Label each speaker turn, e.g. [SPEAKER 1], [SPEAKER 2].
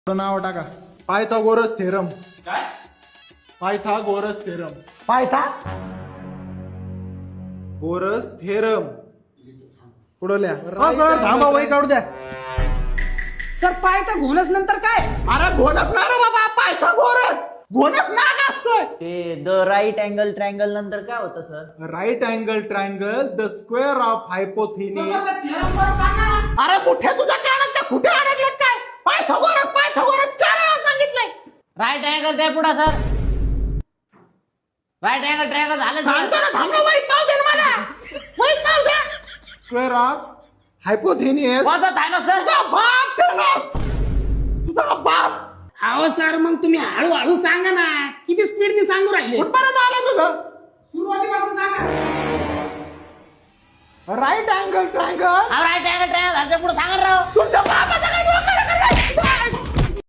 [SPEAKER 1] नाव टाका Pythagoras theorem.
[SPEAKER 2] काय?
[SPEAKER 1] Pythagoras theorem.
[SPEAKER 3] 
[SPEAKER 1] Pythagoras theorem पुढल्या.
[SPEAKER 3] हा सर थांबा वही काढू द्या.
[SPEAKER 4] सर पायथा घोणस नंतर काय?
[SPEAKER 1] अरे घोणस ना रे बाबा, पायथागोरस घोणस नाग असतोय.
[SPEAKER 5] ते द राईट अँगल ट्रायंगल नंतर काय होतं sir?
[SPEAKER 1] Right angle triangle the square of hypotenuse.
[SPEAKER 4] Sir, theorem परत सांगा ना.
[SPEAKER 1] अरे कुठे तुझ्या कानात त्या कुठे अडकलेत काय? पायथागोरस पायथागोरस 4 वेळा सांगितलंय.
[SPEAKER 5] राईट अँगल द्या पुढे सर. राईट अँगल ट्रायंगल झालं
[SPEAKER 1] सांगतो
[SPEAKER 5] सर.
[SPEAKER 1] ना, थांबा वहीत पाव दे ना मला. वहीत पाव द्या. Square of hypotenuse.
[SPEAKER 5] वाजत आहे ना सर.
[SPEAKER 1] तुझा बाप थेलस. तुझा बाप.
[SPEAKER 4] अहो सर मग तुम्ही हळूहळू सांगा ना, किती स्पीडने सांगू राहिले.
[SPEAKER 1] कुठपर्यंत आलं तुझं?
[SPEAKER 4] सुरुवातीपासून सांगा.
[SPEAKER 1] Right angle triangle.
[SPEAKER 5] Right angle triangle झालं पुढे सांगा राव.
[SPEAKER 1] तुमच्या बापाचा काय